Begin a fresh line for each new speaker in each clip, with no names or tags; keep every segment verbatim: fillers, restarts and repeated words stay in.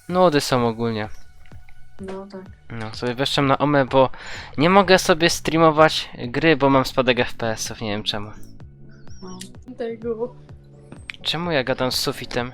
Nudy są ogólnie.
No tak.
No, sobie weszłem na Omę, bo nie mogę sobie streamować gry, bo mam spadek F P S ów, nie wiem czemu.
No. Tego.
Czemu ja gadam z sufitem?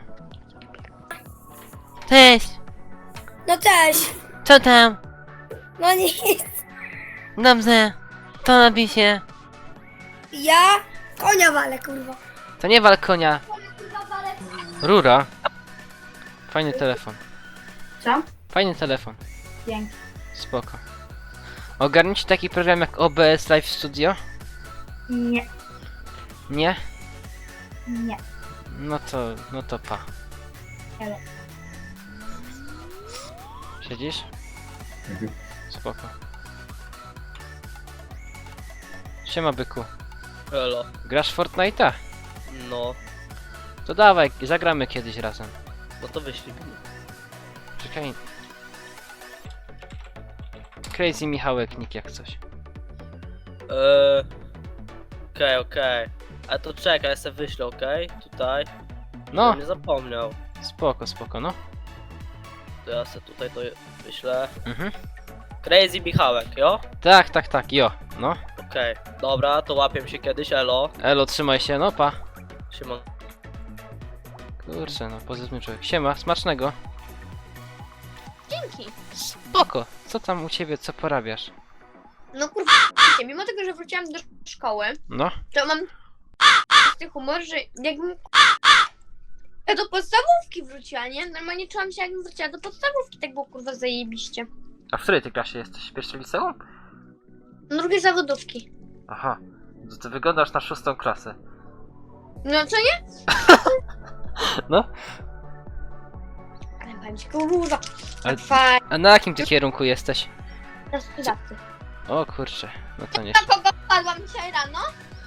Cześć!
No cześć!
Co tam?
No nic.
Dobrze. To nabi się.
Ja konia walę, kurwa.
To nie wal konia. Rura. Fajny telefon.
Co?
Fajny telefon.
Dzięki.
Spoko. Ogarnijcie taki program jak O B S Live Studio?
Nie.
Nie?
Nie.
No to, no to pa.
Ale.
Siedzisz? Spoko. Siema byku.
Elo.
Grasz w Fortnite'a?
No,
To dawaj, zagramy kiedyś razem.
no to wyślij mi.
Czekaj. Crazy Michałek nick jak coś.
Eee... Okej, okej. A to czekaj, ja sobie wyślę, okej? Tutaj.
No,
Żebym nie zapomniał.
spoko, spoko, no.
To ja sobie tutaj to wyślę.
Mhm.
Crazy Michałek, jo?
Tak, tak, tak, jo, no.
Okej. Dobra, to łapię się kiedyś, elo.
Elo, trzymaj się, no pa.
Siema.
Kurczę, no, pozytywny człowiek. Siema, smacznego.
Dzięki.
Spoko. Co tam u ciebie, co porabiasz?
No kurwa, mimo tego, że wróciłam do szkoły,
No,
to mam taki humor, że jakbym ja do podstawówki wróciła, nie? Normalnie czułam się, jakbym wróciła do podstawówki, tak było kurwa zajebiście.
a w której ty klasie jesteś? W pierwszym liceum?
Drugie zawodówki.
Aha, to ty wyglądasz na szóstą klasę.
No co nie?
No,
Ale powiem ci, kurwa,
ale,
fajnie,
a na jakim ty kierunku jesteś?
na sprzedawcy.
O kurczę, no to nie,
Na kogo padłam dzisiaj rano?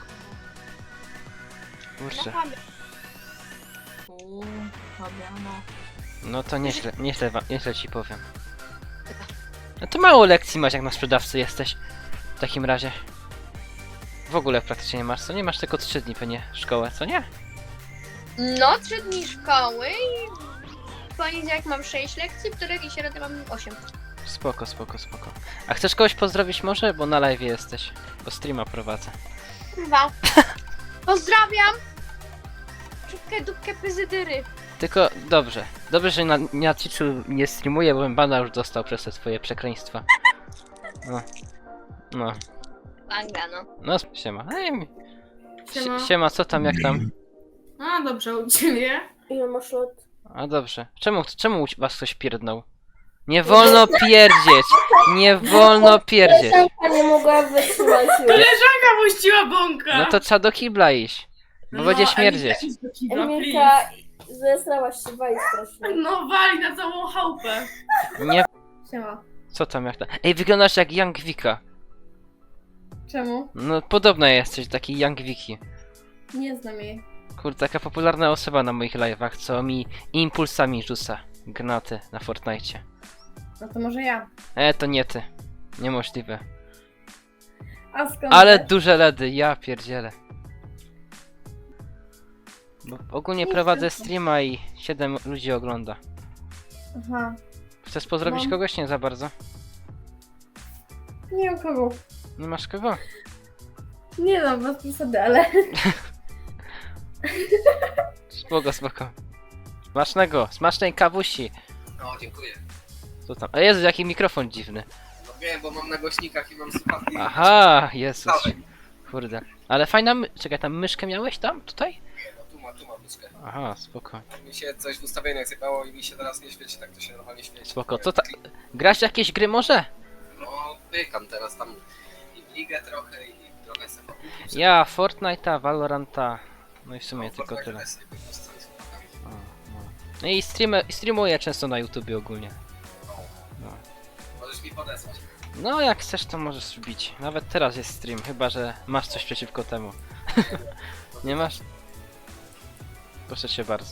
kurczę.
Na
Uuu, dobra, no.
No to nieźle, nieźle, wa- nieźle ci powiem. No to mało lekcji masz jak na sprzedawcy jesteś. W takim razie. W ogóle praktycznie nie masz, co? Nie masz tylko trzy dni pewnie szkołę, co nie?
No, trzy dni szkoły i w poniedziałek mam sześć lekcji, w których i środę mam osiem.
Spoko, spoko, spoko. A chcesz kogoś pozdrowić może? Bo na live jesteś. Bo streama prowadzę.
Kurwa. Pozdrawiam! Czubkę, dupkę, pyzydyry.
Tylko dobrze. Dobrze, że na, na Twitchu nie streamuję, bo bym bana już dostał przez te twoje przekleństwa. No. No.
Banga, no.
No, siema. Ej, mi-
Siema.
Sie- siema, co tam, jak tam?
A, dobrze, u ciebie?
Ile masz lat?
A dobrze. Czemu, czemu u was ktoś pierdnął? Nie wolno pierdzieć! Nie wolno pierdzieć!
Koleżanka nie mogła wytrzymać już.
Koleżanka puściła bąka!
No to trzeba do kibla iść. Bo będzie śmierdzieć.
Emilka, zesrałaś się, wali strasznie.
No wali na całą chałupę.
Nie.
Siema.
Co tam jak tam? Ej, wyglądasz jak Young Vika.
Czemu?
No podobna jesteś, taki Young Wiki.
Nie znam jej.
Kurde, taka popularna osoba na moich live'ach, co mi impulsami rzuca granaty na Fortnite.
No to może ja.
E, to nie ty. Niemożliwe.
A skąd?
Ale
wiesz?
duże ledy, ja pierdzielę. Bo ogólnie
Nie
prowadzę
chcę.
streama i siedem ludzi ogląda.
Aha.
Chcesz pozdrowić
Mam.
kogoś? Nie za bardzo.
Nie wiem kogo.
Nie masz kogo?
Nie znam was przesady, ale...
Spoko, spoko. Smacznego, smacznej kawusi.
No, dziękuję.
Co tam? A Jezu, jaki mikrofon dziwny.
No wiem, bo mam na głośnikach i mam słuchawki.
Aha, Jezus.
Dawaj.
Kurde. Ale fajna my... Czekaj, tam myszkę miałeś tam? Tutaj?
No, tu ma, tu ma myszkę.
Aha, spoko.
Mi się coś w ustawieniach zjebało i mi się teraz nie świeci, tak to się normalnie świeci.
Spoko. Co ta... Grasz jakieś gry może?
No, pykam teraz tam i w ligę trochę i trochę sobie pokupić.
Ja, Fortnite'a, Valoranta. No i w sumie tylko tyle. O, no. No i streamy, streamuję często na YouTubie ogólnie. No.
Możesz mi podesłać.
No jak chcesz to możesz wbić. Nawet teraz jest stream, chyba że masz coś przeciwko temu. Nie masz? Proszę cię bardzo.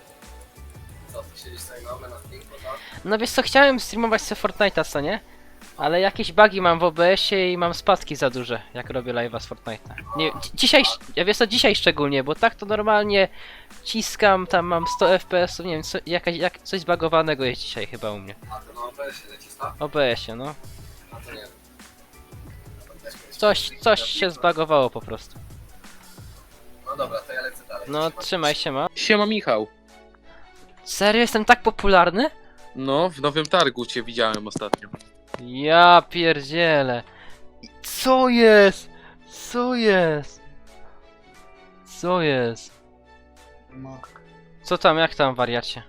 Co, ty siedzisz sobie na na streamku, tak?
No wiesz co, chciałem streamować sobie Fortnite'a, co nie? Ale jakieś bugi mam w O B S-ie i mam spadki za duże, jak robię live'a z Fortnite'a. Nie, dzi- dzisiaj, ja wiesz co, dzisiaj szczególnie, bo tak to normalnie ciskam, tam mam sto F P S-ów, nie wiem, co, jakaś, jak, coś zbagowanego jest dzisiaj chyba u mnie.
A to na O B S-ie leci sta?
O B S-ie, no.
A to nie wiem. Też kiedyś
Coś,
kiedyś
coś
robiłem.
się zbagowało po prostu.
No dobra, to ja lecę dalej.
No, trzymaj się, ma.
Siema Michał.
Serio, jestem tak popularny?
No, w Nowym Targu cię widziałem ostatnio.
Ja pierdzielę. Co jest? Co jest? Co jest? Co tam, jak tam, wariacie?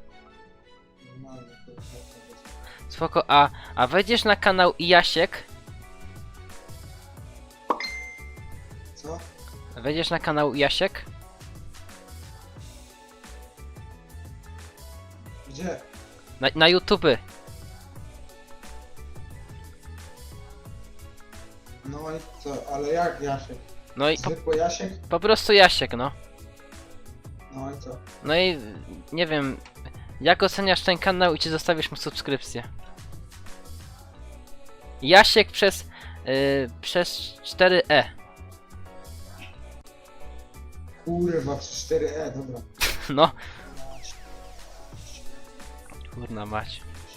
Spoko, a, a wejdziesz na kanał Jasiek?
Co?
Wejdziesz na kanał Jasiek?
Gdzie?
Na, na YouTube.
No i co? Ale jak Jasiek?
No i po,
Zwykły Jasiek?
po prostu Jasiek, no.
No i co?
No i nie wiem, jak oceniasz ten kanał i czy zostawisz mu subskrypcję? Jasiek przez, yy, przez cztery E.
Kurwa, przez cztery E, dobra.
No. Kurna mać.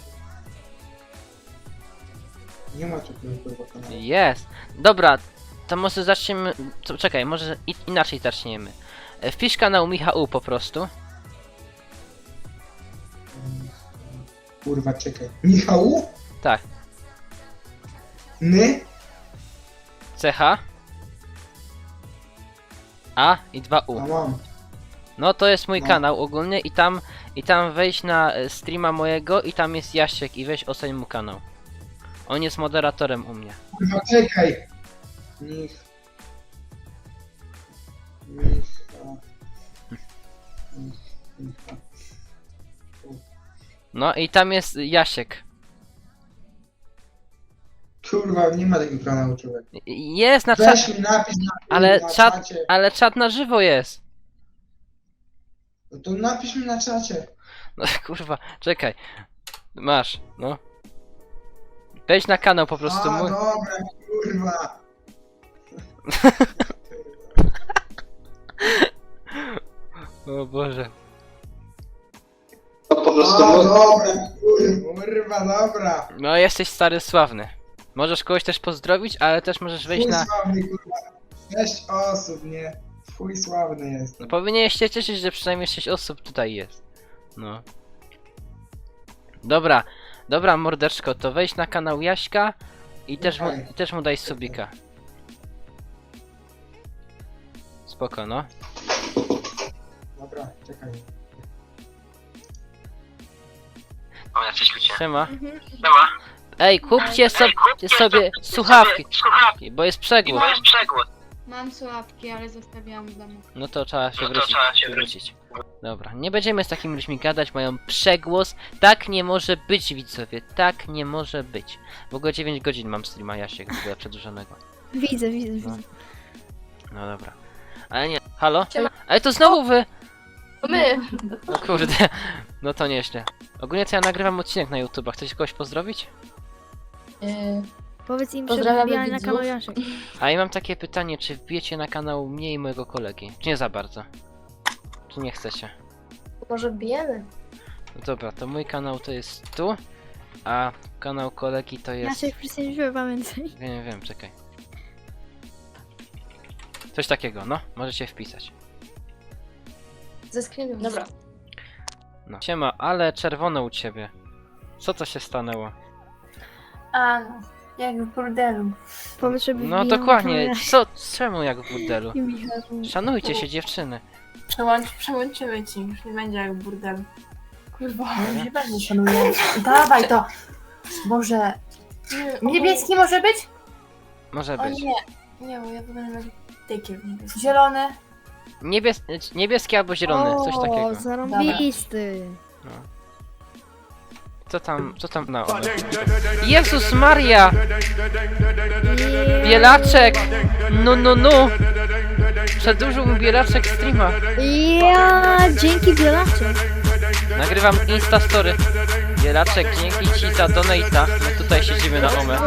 Nie ma takiego kurwa kanału.
Jest. Dobra, to może zaczniemy. To, czekaj, może i, inaczej zaczniemy. E, Wpisz kanał Michał po prostu.
Kurwa, czekaj. Michału?
Tak.
Ny?
C H. A i dwa U.
A mam.
No to jest mój
No.
kanał ogólnie i tam i tam wejdź na e, streama mojego i tam jest Jasiek i weź oceń mu kanał. On jest moderatorem u mnie.
Kurwa, czekaj. Mich... Micha... Mich... Micha...
No i tam jest Jasiek.
Kurwa, nie ma takiego kanału, człowiek.
I- Jest na czat,
Weź mi napis na,
ale
na
czat,
czacie.
ale czat na żywo jest.
No to napisz mi na czacie.
No kurwa, czekaj. Masz, no. Wejdź na kanał po prostu
A,
mój.
dobra, kurwa.
O Boże.
A, dobra, kurwa, dobra.
No jesteś stary sławny. Możesz kogoś też pozdrowić, ale też możesz wejść
Chuj
na...
sławny, kurwa. Sześć osób, nie? Chuj sławny jest.
No powinieneś się cieszyć, że przynajmniej sześć osób tutaj jest. No. Dobra, dobra mordeczko, to wejdź na kanał Jaśka i też mu,
Okej.
i też mu daj subika. Spoko, no.
Dobra, czekaj.
Siema. Ej, kupcie so, sobie słuchawki, bo jest przegłos.
Mam słabki, ale zostawiałam w domu.
No to trzeba się wrócić. wrócić. Dobra, nie będziemy z takimi ludźmi gadać, mają przegłos. Tak nie może być, widzowie, tak nie może być. W ogóle dziewięć godzin mam streama Jasiek w ogóle przedłużonego.
Widzę, widzę,
No.
widzę.
No dobra. Ale nie, halo?
Siema.
Ale to znowu wy!
To my.
No kurde, no to nieźle. Ogólnie to ja nagrywam odcinek na YouTube, chcecie kogoś pozdrowić?
Powiedz im, że
Pozdrawiamy
wbijaj na
widzów.
kanał Jasiek.
A ja mam takie pytanie, czy wbijecie na kanał mnie i mojego kolegi? Czy nie za bardzo? Czy nie chcecie?
Może bijemy?
No dobra, to mój kanał to jest tu, a kanał kolegi to jest...
Jasiek, przecież pamiętaj.
Wiem, wiem, czekaj. Coś takiego, no, możecie wpisać.
Ze screenem. Dobra.
No. Siema, ale czerwone u ciebie. Co to się stanęło?
A no, jak w burdelu.
Powiedz, żeby
No
wbijał na kanał
dokładnie,
Jasiek.
co, czemu jak w burdelu?
I Michał.
Szanujcie się dziewczyny.
Przełącz, przełączymy ci, już nie będzie jak burdel. Kurwa, już się bardzo szanuję. Dawaj to! Boże. Niebieski może być?
Może
O
być.
nie. Nie, bo ja wyglądam jak tykiel niebieski. Zielony.
Niebies niebieski albo zielony, coś takiego.
O, zarąbisty.
Co tam, co tam na one? Jezus Maria! Bielaczek! No, no, no! Przedłużył mi Bielaczek streama.
Ja, dzięki Bielaczek.
Nagrywam Instastory. Bielaczek, dzięki ci za donate'a. My tutaj siedzimy na omę.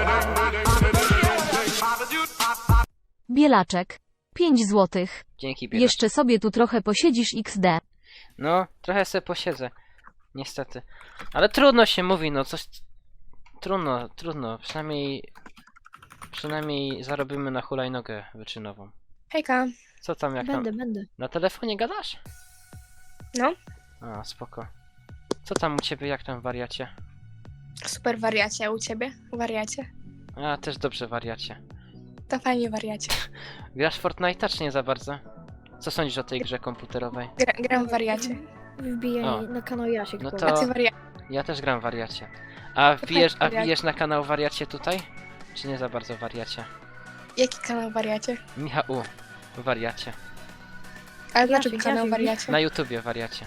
Bielaczek. pięć złotych.
Dzięki, Bielaczek.
Jeszcze sobie tu trochę posiedzisz iks de.
No, trochę sobie posiedzę. Niestety. Ale trudno się mówi, no coś... Trudno, trudno. Przynajmniej... Przynajmniej zarobimy na hulajnogę wyczynową.
Hejka.
Co tam, jak tam?
Będę, będę.
Na telefonie gadasz?
No.
A, spoko. Co tam u ciebie, jak tam wariacie?
Super wariacie, u ciebie? Wariacie?
A, też dobrze wariacie.
To fajnie wariacie.
Grasz w Fortnite'a czy nie za bardzo? Co sądzisz o tej grze komputerowej?
Gra, gram w wariacie.
Wbijaj
O.
na kanał Jasiek.
No
powiem.
to-
A ty wariacie.
Ja też gram w wariacie. A wbijesz, a
wariacie.
wbijesz na kanał wariacie tutaj? Czy nie za bardzo wariacie?
Jaki kanał wariacie?
Michał, u, wariacie.
Ale dlaczego
Jasiek,
kanał
Jasiek.
wariacie?
Na YouTubie wariacie.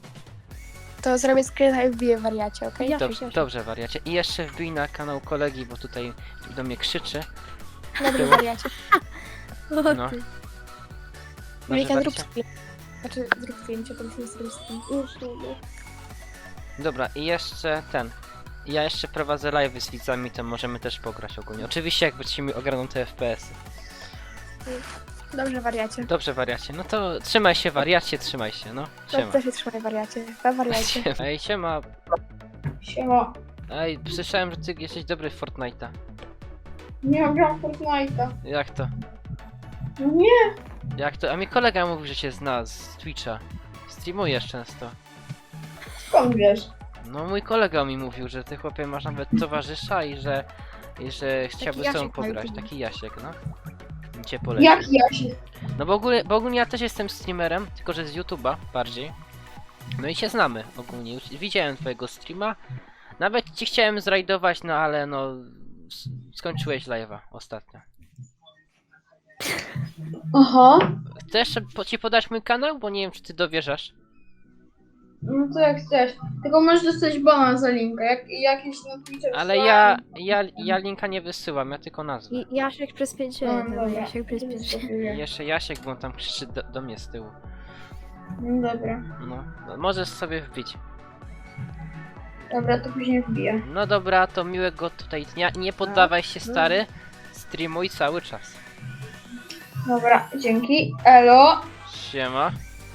To zrobię screena i wbiję wariacie, okej?
Jasiek,
Dobrze,
Jasiek.
dobrze wariacie. I jeszcze wbij na kanał kolegi, bo tutaj do mnie krzyczy.
Dobry wariacie.
O,
No.
ty.
Może
Mika, zrób
wariacie?
screen. Znaczy, zrób zdjęcie, to musimy zrobić screen.
Dobra, i jeszcze ten. Ja jeszcze prowadzę live z widzami, to możemy też pograć ogólnie. Oczywiście jak będziecie mi ogarną te F P S-y.
Dobrze wariacie.
Dobrze wariacie, no to trzymaj się wariacie, trzymaj się, no.
To
Siema.
też się trzymaj wariacie. Pa wariacie.
Ej, siema.
Siema.
Ej, słyszałem, że ty jesteś dobry w Fortnite'a.
Nie gram Fortnite'a.
Jak to?
Nie.
Jak to? A mi kolega mówił, że się zna z Twitcha. Streamujesz często.
Skąd wiesz?
No mój kolega mi mówił, że ty chłopie masz nawet towarzysza i że... I że chciałby z tobą
Jasiek na
pograć.
YouTubie.
Taki Jasiek, no. I cię poleci.
Jak Jasiek?
No bo ogólnie, bo ogólnie ja też jestem streamerem, tylko że z YouTube'a bardziej. No i się znamy ogólnie. Już widziałem twojego streama. Nawet ci chciałem zrajdować, no ale no... s- Skończyłeś live'a ostatnio.
Aha.
Chcesz po- ci podać mój kanał? Bo nie wiem, czy ty dowierzasz.
No to jak chcesz. Tylko możesz dostać bana za linka. Jak, jakiś na Twitterze.
Ale ja, ja, ja linka nie wysyłam, ja tylko nazwę.
I Jasiek przez pięć
No,
jeden.
dobra.
Jasiek przez pięć jeden.
I jeszcze Jasiek, bo on tam krzyczy do, do mnie z tyłu.
No dobra.
No, no, możesz sobie wbić.
Dobra, to później wbiję.
No dobra, to miłego tutaj dnia. Nie poddawaj się, stary. Streamuj cały czas.
Dobra, dzięki. Elo.
Siema.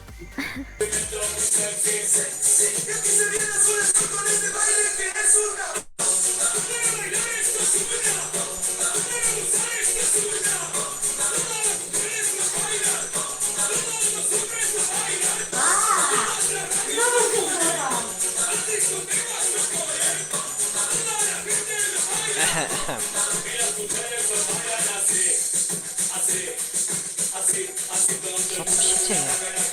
Ehe, ehe. Co tu się dzieje?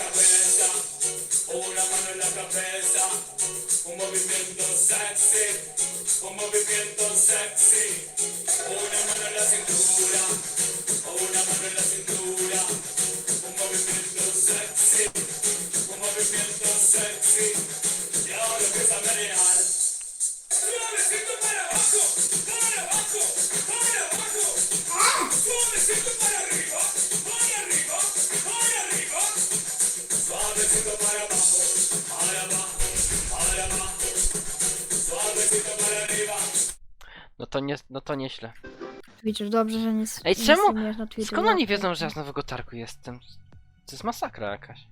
No to nie, no to nieźle.
Twitcher, dobrze, że nie,
Ej,
nie
czemu-
streamujesz na Twitchu.
Skąd oni wiedzą, że ja z Nowego Targu jestem? To jest masakra jakaś.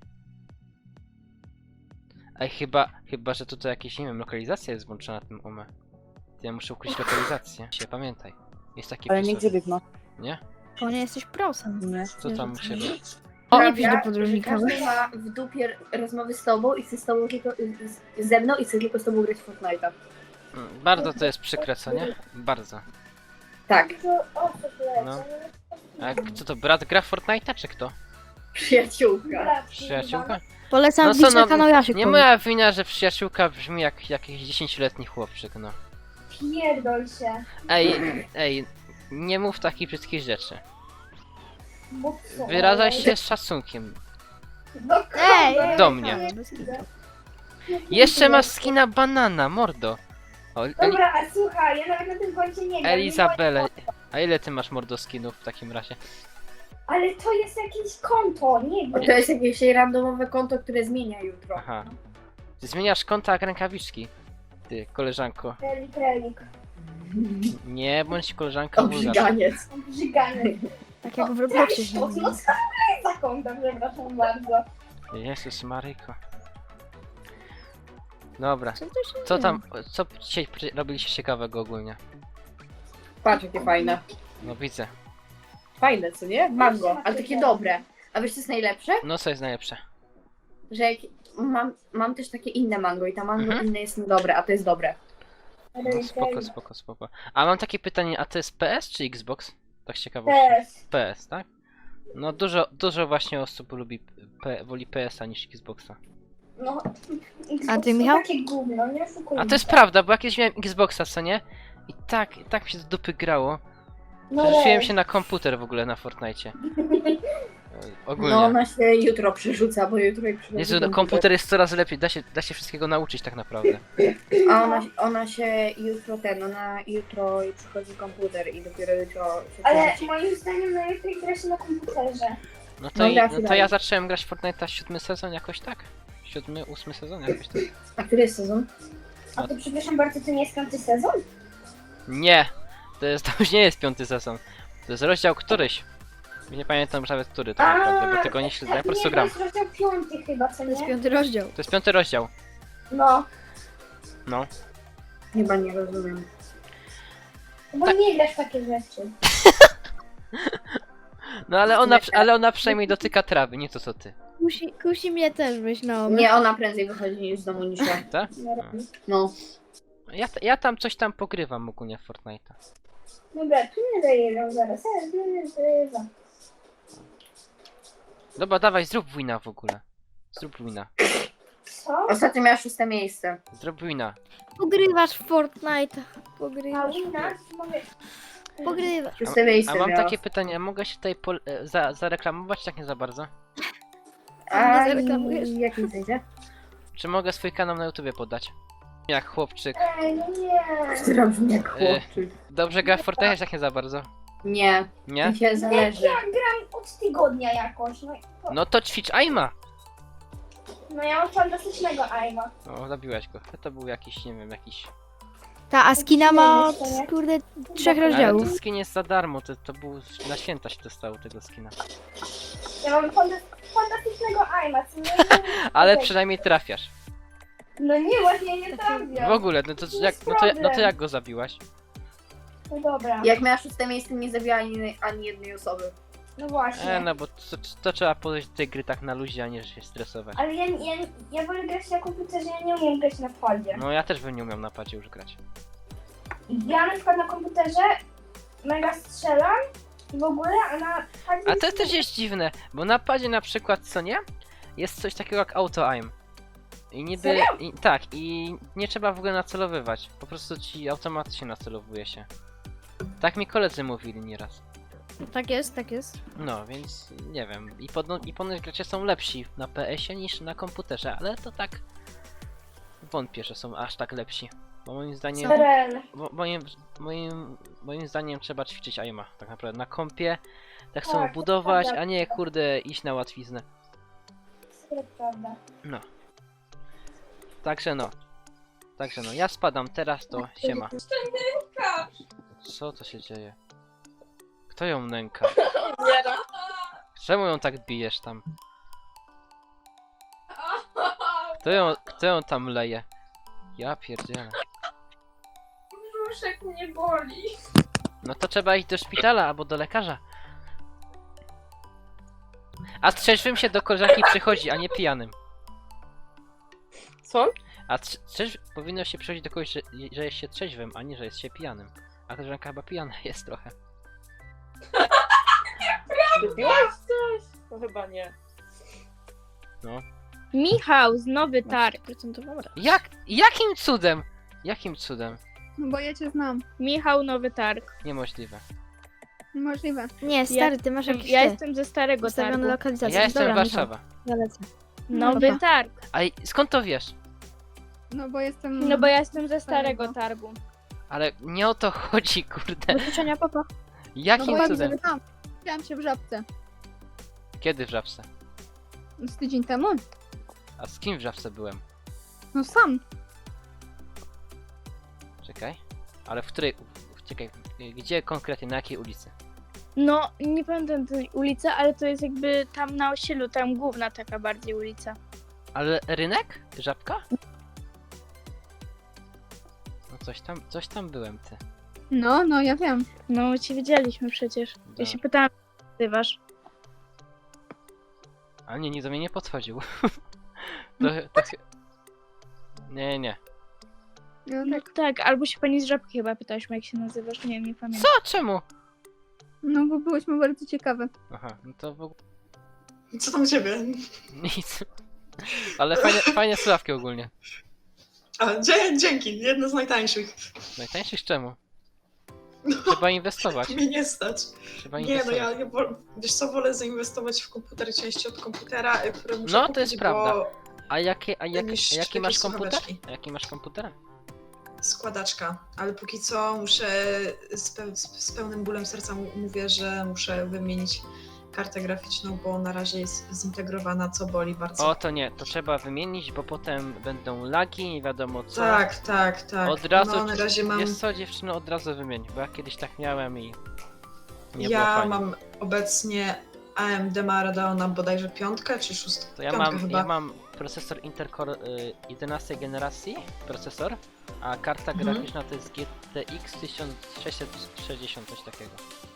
Ej, chyba, chyba, że tutaj jakieś, nie wiem, lokalizacja jest włączona na tym umę. Ja muszę ukryć lokalizację. Się pamiętaj. Jest taki
Ale
pisor.
nigdzie bygno.
Nie?
Bo nie jesteś prosem.
Nie.
Co tam u ciebie?
O, nie pisz do podróżnika.
Każdy ma w dupie rozmowy z tobą i chce z tobą tylko, z, ze mną i chce tylko z tobą grać w Fortnite'a.
Mm, Bardzo to jest przykre, co nie? Bardzo.
Tak.
No. A jak, co to, brat gra w Fortnite'a, czy kto?
Przyjaciółka.
Przyjaciółka?
Polecam
No
wbić
co,
na
no,
kanał Jasiek.
Nie
powiem.
moja wina, że przyjaciółka brzmi jak jakiś dziesięcioletni chłopczyk, no.
Pierdol się.
Ej, ej, nie mów takich brzydkich rzeczy.
Bo co?
Wyrażaj się z szacunkiem.
Do
Ej,
kogo?
ej,
Do mnie.
ej, bez kitu.
Jeszcze masz skina banana, mordo. O, Eli
Dobra, a słuchaj, ja nawet na tym koncie nie gram.
Elizabele. A ile ty masz mordo skinów w takim razie?
Ale to jest jakieś konto, nie wiem.
To jest jakieś randomowe konto, które zmienia jutro.
Aha. Ty zmieniasz konta jak rękawiczki. Ty, koleżanko.
Relik, relik.
Nie bądź koleżanka wulgarz.
Obrzyganiec.
Brzyganie.
Tak jak w Robloxie się
No
mówi.
za kątem, przepraszam bardzo.
Jezus Maryjko. Dobra,
Co to się
co
dzieje?
tam, co dzisiaj przy- robiliście ciekawego ogólnie?
Patrz, jakie fajne.
No widzę.
Fajne, co nie? Mango, ale takie dobre. A wiesz, co jest najlepsze?
No co jest najlepsze?
Że jak mam, mam też takie inne mango i ta mango
Mhm.
inne jest niedobre, a to jest dobre.
No spoko, spoko, spoko. A mam takie pytanie, a to jest P S czy Xbox? Tak z ciekawości.
P S.
P S, tak? No dużo, dużo właśnie osób lubi, P, woli P S a niż Xboxa.
No,
A ty, Michał?
Takie gówno, nie oszukujmy
A to jest
się.
prawda, bo jak kiedyś miałem Xboxa, co nie? I tak, i tak mi się do dupy grało.
No
Przerzuciłem
lej.
się na komputer w ogóle na Fortnite. Ogólnie.
No ona się jutro przerzuca, bo jutro jej przychodzi
Jezu, no, komputer jest coraz lepiej, da się, da się wszystkiego nauczyć tak naprawdę.
A ona, ona się jutro ten, ona jutro jej przychodzi komputer i dopiero jutro się
Ale
przerzuci.
moim zdaniem najlepiej gra się na komputerze.
No to,
No
i,
gra
no
się
to
dalej.
ja zacząłem grać w Fortnite'a siódmy sezon jakoś tak. Siódmy, ósmy sezon jakoś tak.
A który jest sezon?
A to przepraszam bardzo, to nie jest piąty sezon?
Nie! To, jest, to już nie jest piąty sezon. To jest rozdział któryś. Nie pamiętam nawet który tak naprawdę, bo tego nie śledzę, ja po prostu
nie,
gram.
to jest rozdział piąty chyba, co
To jest
nie?
piąty rozdział.
To jest piąty rozdział.
No,
No.
Chyba nie rozumiem.
bo
Tak.
nie grasz w takie rzeczy.
No ale ona, ale ona przynajmniej dotyka trawy, nie to co ty.
Kusi, kusi mnie też być na obie.
Nie, ona prędzej wychodzi z domu niż ja.
Tak?
No.
Ja, ja tam coś tam pogrywam ogólnie w Fortnite'a.
Dobra, tu nie zajeżdżam zaraz, zaraz nie zajeżdżam.
Dobra, dawaj, zrób wina w ogóle. Zrób wina.
Co?
Ostatnio miała szóste miejsce.
Zrób wina.
Pogrywasz w Fortnite.
A
Pogrywasz.
wina? Mogę...
Pogrywasz.
Szóste miejsce
A mam
miała.
takie pytanie, a mogę się tutaj pol- e, za, zareklamować tak nie za bardzo?
A
Nie zareklamujesz.
i jakim sensie?
Czy mogę swój kanał na YouTubie podać? Jak chłopczyk.
Ej, no nie.
Która brzmi jak chłopczyk.
Dobrze gra w Fortnite tak nie za bardzo?
Nie,
Nie?
mi się zależy.
Ja gram od tygodnia jakoś, no, i to,
No to ćwicz Aima!
no ja mam fantastycznego aima.
O, zabiłeś go. To był jakiś, nie wiem, jakiś...
Ta, a skina ma od, kurde, trzech
Ale
rozdziałów.
to skin jest za darmo, to, to był... Na święta się dostało tego skina.
Ja mam fanta- fantastycznego aima, co nie?
Ale
Okej.
przynajmniej trafiasz.
No nie, właśnie nie trafiam.
W ogóle, no to jak, no to, no to jak go zabiłaś?
No dobra,
Jak miała szóste miejsce, nie zabiła ani, ani jednej osoby.
no właśnie.
E, no bo to, to trzeba podejść do tej gry tak na luzie, a nie że się stresować.
Ale ja, ja, ja wolę grać na komputerze, ja nie umiem grać na padzie.
No ja też bym nie umiał na padzie już grać.
Ja na przykład na komputerze mega strzelam w ogóle, a na padzie...
A to też jest dziwne, bo na padzie na przykład, co nie? Jest coś takiego jak auto-aim. I niby...
Serio?
I, tak, i nie trzeba w ogóle nacelowywać. Po prostu ci automatycznie nacelowuje się. Tak mi koledzy mówili nieraz.
Tak jest, tak jest.
No, więc nie wiem. I, podno- i ponoć gracze są lepsi na P S ie niż na komputerze, ale to tak... Wątpię, że są aż tak lepsi. Bo moim zdaniem...
Sorel.
Bo, moim, moim, moim zdaniem trzeba ćwiczyć aima, tak naprawdę. Na kompie tak
Tak,
samo
to
budować,
prawda.
a nie kurde iść na łatwiznę.
To prawda.
No. Także no. Także no, ja spadam teraz, to siema. Co to się dzieje? Kto ją nęka? Czemu ją tak bijesz tam? Kto ją, kto ją tam leje? Ja pierdzielę.
Brzuszek mnie boli.
No to trzeba iść do szpitala albo do lekarza. A trzeźwym się do koleżanki przychodzi, a nie pijanym.
Co?
A trze- trzeźw... powinno się przychodzić do kogoś, że, że jest się trzeźwym, a nie, że jest się pijanym. A koleżanka chyba pijana jest trochę.
Lubiłaś coś? To chyba nie.
No.
Michał z Nowy Targ. Procentową
Jak? Jakim cudem? Jakim cudem?
No bo ja cię znam.
Michał Nowy Targ.
Niemożliwe.
Możliwe.
Nie, stary, ty masz jakiś
Ja
ty,
jestem ze starego
ustawione
targu.
lokalizacje.
Ja jestem
Dobra,
Warszawa.
Michał, ja lecę.
Nowy
Dobra.
targ.
A i- skąd to wiesz?
No bo jestem...
No bo ja jestem ze starego targu.
Ale nie o to chodzi, kurde.
Do życzenia, papa.
Jakim cudem?
tam. Widziałam cię w Żabce.
Kiedy w Żabce?
Z tydzień temu.
A z kim w Żabce byłem?
No sam.
Czekaj. Ale w której... w- Czekaj, gdzie konkretnie, na jakiej ulicy?
No, nie pamiętam tej ulicy, ale to jest jakby tam na osiedlu, tam główna taka bardziej ulica.
Ale rynek? Żabka? No coś tam, coś tam byłem, ty.
No, no, ja wiem.
No, cię widzieliśmy przecież. Ja się pytałam, jak nazywasz.
A nie, nie do mnie nie podchodził. to, to... chy- Nie, nie.
No
No
tak.
tak, albo się pani z Żabki chyba pytałyśmy, jak się nazywasz. Nie, nie pamiętam.
Co? Czemu?
No bo byłyśmy bardzo ciekawe.
Aha, no to w ogóle
Co tam u ciebie?
nic. Ale fajne, fajne sławki ogólnie.
A, dzie- dzięki, jedno z najtańszych.
Najtańszych czemu? Trzeba inwestować.
Mnie nie stać.
Trzeba
Nie, no
inwestować.
ja, ja wol, wiesz co, wolę zainwestować w komputer części od komputera, y, które muszę
No, to
kupić,
jest
bo
prawda. A jakie, a, jak,
niż
a jaki
takie
masz komputer?
słuchaweczki.
A jaki masz komputer?
Składaczka, ale póki co muszę z, pe z pełnym bólem serca mu- mówię, że muszę wymienić kartę graficzną, bo na razie jest zintegrowana, co boli bardzo.
O, to nie, to trzeba wymienić, bo potem będą lagi, nie wiadomo co.
Tak, tak, tak.
Od razu,
no, na razie mam,
jest co dziewczyno, od razu wymień, bo ja kiedyś tak miałem i nie było
ja
fajnie.
mam obecnie A M D ma Radeona bodajże piątkę czy szóstkę,
To ja
piątkę
mam,
chyba.
ja mam procesor Intel Core y, jedenastej generacji, procesor, a karta
Mhm.
graficzna to jest G T X tysiąc sześćset sześćdziesiąt, coś takiego.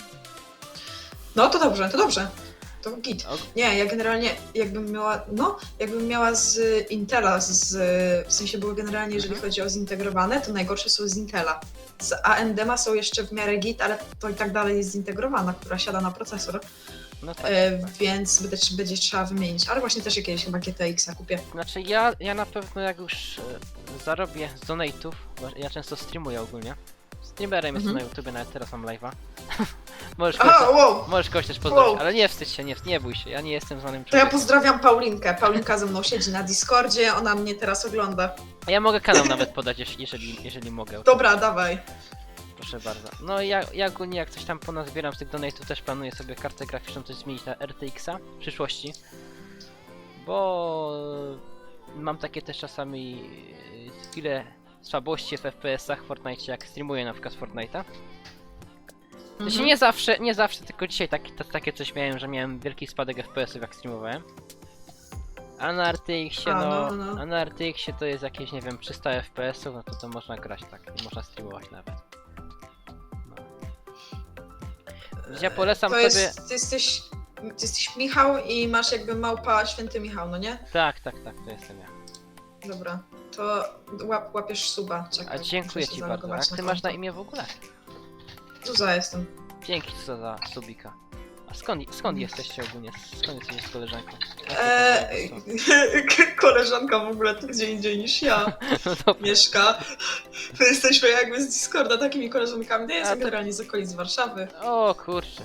No to dobrze, to dobrze. To git.
O,
Nie, ja generalnie jakbym miała, no, jakbym miała z Intela, z, w sensie było generalnie, jeżeli
Mhm.
chodzi o zintegrowane, to najgorsze są z Intela. Z A M D ma są jeszcze w miarę git, ale to i tak dalej jest zintegrowana, która siada na procesor,
no tak.
e, więc będzie, będzie trzeba wymienić. Ale właśnie też jakiegoś chyba G T X-a kupię.
Znaczy ja, ja na pewno jak już e, zarobię z donate'ów, bo ja często streamuję ogólnie. Streamerem jestem
Mhm.
na YouTubie, nawet teraz mam live'a. możesz,
Aha,
kogoś,
wow!
możesz kogoś też pozdrowić,
Wow.
ale nie wstydź się, nie, nie bój się, ja nie jestem znanym
To ja
człowiekiem.
pozdrawiam Paulinkę. Paulinka ze mną siedzi na Discordzie, ona mnie teraz ogląda.
A ja mogę kanał nawet podać, jeż- jeżeli, jeżeli mogę.
Dobra, dawaj.
Proszę bardzo. No i ja, ja ogólnie jak coś tam ponazbieram z tych donate'ów, też planuję sobie kartę graficzną coś zmienić na R T X-a w przyszłości. Bo mam takie też czasami e, chwile słabości w F P S-ach w Fortnite, jak streamuję na przykład Fortnite'a. To się
Mhm.
nie zawsze, nie zawsze, tylko dzisiaj taki, to, takie coś miałem, że miałem wielki spadek F P S-ów jak streamowałem. A na R T X-ie,
A,
no,
no, no.
a na R T X-ie to jest jakieś, nie wiem, trzysta F P S-ów, no to to można grać tak, i można streamować nawet. No. Ja polecam
to
sobie...
jest, ty jesteś, ty jesteś Michał i masz jakby małpa Święty Michał, no nie?
Tak, tak, tak, to jestem ja.
Dobra, to łap, łapiesz suba. Czekaj,
A dziękuję
muszę
ci
się
bardzo. A
zalogować
jak ty masz na
konto.
imię w ogóle?
Zuza jestem.
Dzięki co za subika. A skąd, skąd jesteście ogólnie? Skąd jesteście z koleżanką?
Eee, koleżanka w ogóle tu gdzie indziej niż ja
No dobra.
mieszka. My jesteśmy jakby z Discorda takimi koleżankami. No ja
A
jestem
to-
generalnie z okolic Warszawy.
O kurczę.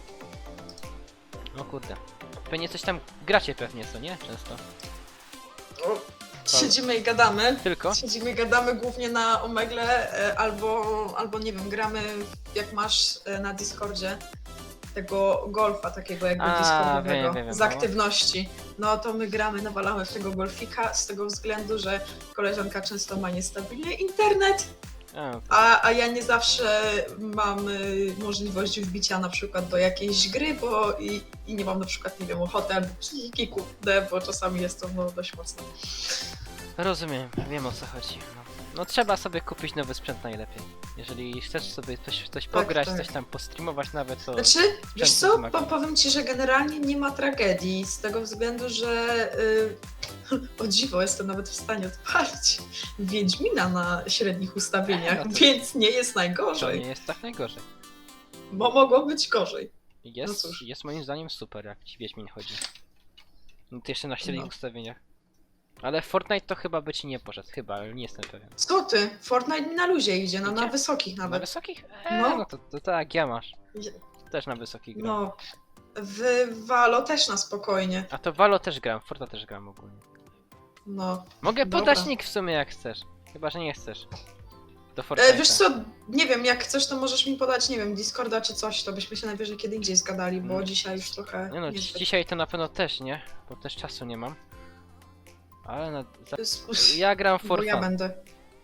O kurde. Pewnie coś tam gracie pewnie, co nie? Często.
O, siedzimy i gadamy.
Tylko?
Siedzimy i gadamy głównie na Omegle, e, albo, albo nie wiem, gramy jak masz e, na Discordzie tego golfa takiego jakby
A,
Discordowego,
wiem, wiem, wiem,
z
no.
aktywności. No to my gramy, nawalamy w tego golfika z tego względu, że koleżanka często ma niestabilny internet,
A,
a, a ja nie zawsze mam y, możliwość wbicia na przykład do jakiejś gry, bo i, i nie mam na przykład, nie wiem, ochoty albo psychiki kurde, bo czasami jest to no, dość mocne.
rozumiem, wiem o co chodzi. No. no trzeba sobie kupić nowy sprzęt najlepiej. Jeżeli chcesz sobie coś, coś pograć,
tak.
coś tam postreamować nawet, to...
Znaczy, wiesz
Często
co,
wymaga.
po, powiem ci, że generalnie nie ma tragedii, z tego względu, że y, o dziwo jestem nawet w stanie odpalić Wiedźmina na średnich ustawieniach,
No to-
więc nie jest
To
najgorzej,
nie jest tak najgorzej.
bo mogło być gorzej.
Jest,
No cóż.
jest moim zdaniem super, jak ci Wiedźmin chodzi. No to jeszcze na średnich
No.
ustawieniach. Ale Fortnite to chyba by ci nie poszedł, chyba, ale nie jestem pewien.
Co ty? Fortnite mi na luzie idzie, no na
Idzie?
wysokich
Na
nawet.
wysokich? Eee,
No.
no to, to tak jak ja masz.
Idzie-
Też na wysokich gram.
No, w Valo też na spokojnie,
A to Valo też gram, Forta też gram ogólnie.
no.
Mogę
Dobra.
podać nick w sumie jak chcesz. Chyba, że nie chcesz. Do Fortnite'a.
E, wiesz co, nie wiem, jak chcesz, to możesz mi podać, nie wiem, Discorda czy coś, to byśmy się najwyżej kiedy indziej zgadali, bo
Mm.
dzisiaj już trochę...
Nie no,
nie
dzi- dzisiaj to na pewno też nie, bo też czasu nie mam. Ale na... Za...
jest-
Ja gram
Bo
for
ja
fun.
będę.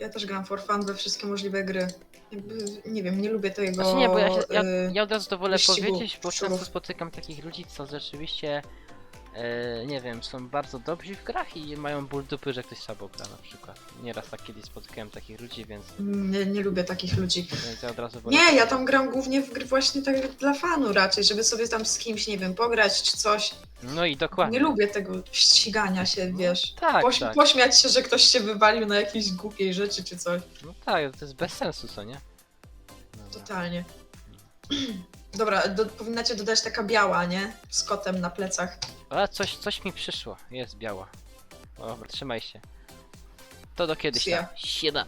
Ja też gram for fun we wszystkie możliwe gry. Jakby, nie wiem, nie lubię tego...
Znaczy nie, bo ja, się, ja,
y,
ja od razu to wolę
wyścigu
powiedzieć, bo
szczurów.
często spotykam takich ludzi, co rzeczywiście, e, nie wiem, są bardzo dobrzy w grach i mają ból dupy, że ktoś słabo gra na przykład. Nieraz tak kiedyś spotykałem takich ludzi, więc,
Nie, nie lubię takich ludzi.
więc ja od razu wolę
Nie, ja
powiedzieć.
tam gram głównie w gry właśnie tak dla fanu raczej, żeby sobie tam z kimś, nie wiem, pograć czy coś.
No i dokładnie.
Nie lubię tego ścigania się, wiesz.
Tak,
Poś,
tak.
Pośmiać się, że ktoś się wywalił na jakiejś głupiej rzeczy czy coś.
No tak, to jest bez sensu, co nie? Dobra.
Totalnie. Dobra, do, powinnacie dodać taka biała, nie? Z kotem na plecach.
Ale coś, coś mi przyszło. Jest biała. O, dobra, trzymaj się. To do kiedyś
Sia.
tam. Sieda.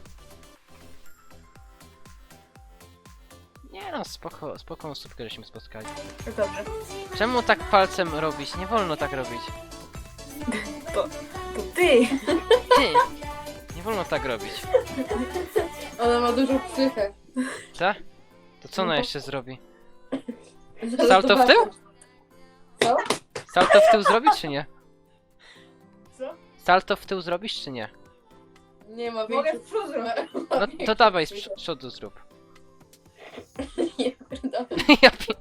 Nie no, spoko, spoko osóbkę, żeśmy spotkali.
To dobrze.
Czemu tak palcem robić? Nie wolno tak robić.
To ty!
Ty! Nie wolno tak robić.
Ona ma dużą psychę.
Tak? To co ona
No to-
jeszcze zrobi?
Zaraz
Salto w tył?
zobaczysz. Co?
Salto w tył zrobić czy nie?
Co?
Salto w tył zrobisz czy nie?
Nie ma Mogę w przód
No to dawaj z prz- przodu zrób.
Nie, pierdolę.
Ja pi...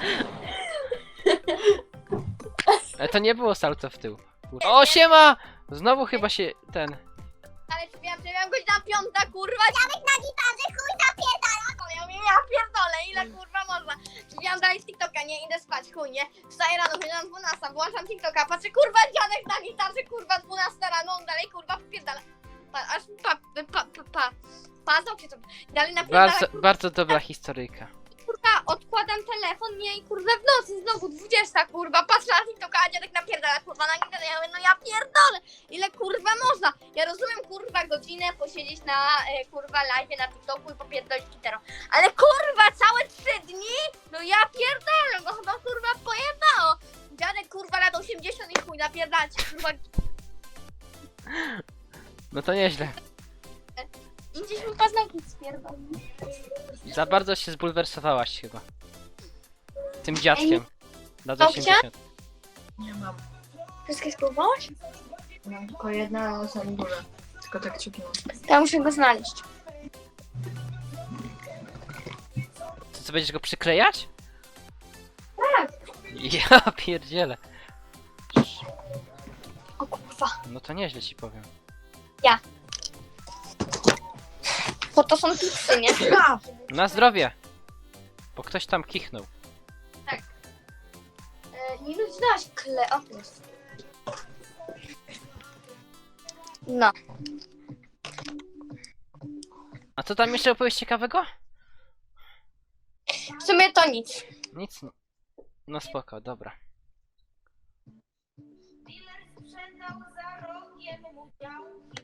Ale to nie było salto w tył. O, siema! Znowu chyba się ten...
Ale czy wiem, że miałam godzina piąta, kurwa, Janek na gitarze, chuj napierdala! Ja mówię, ja pierdolę, ile kurwa można? Czy miałam dalej z TikToka, nie, idę spać, chuj, nie? Wstaję rano, chodzę dwunasta, włączam TikToka, patrzę, kurwa, Janek na gitarze, kurwa, dwunasta rano, on dalej, kurwa, popierdala. Pa, aż pa, pa, pa, pa, pa, paznokcie to, dalej napierdala,
Bardzo, bardzo dobra historyjka.
kurwa, odkładam telefon, nie, i kurwa, w nocy znowu dwudziesta, kurwa, patrzę na TikToka, a Janek napierdala, kurwa, na gitarze, ja mówię, no ja pierdolę, ile kurwa można? Ja rozumiem, kurwa, godzinę posiedzieć na, e, kurwa, live na TikToku i popierdolić gitarą, ale kurwa, całe trzy dni? No ja pierdolę, no chyba, kurwa, pojebało. Janek, kurwa, lat osiemdziesiąt i chuj, napierdalać, kurwa,
No to nieźle.
i gdzieś mi paznokcie spierdolę.
Za bardzo się zbulwersowałaś chyba. Tym dziadkiem. Lat
Babcia?
osiemdziesiąt.
Nie mam.
Wszystkie spróbowałaś?
Mam tylko jedna na samym górze.
Tylko tak ciupnęłam.
To ja muszę go znaleźć.
To co, będziesz go przyklejać? Tak. Ja pierdzielę.
O kurwa.
No to nieźle ci powiem.
Bo to są tipsy, nie?
Na zdrowie! Bo ktoś tam kichnął.
E, nie wiem, znasz kle... O, jest. No.
A co tam jeszcze opowiedzieć ciekawego?
W sumie to nic.
Nic. nie- No spoko, dobra.
Dealer sprzedał za rogiem mu działki.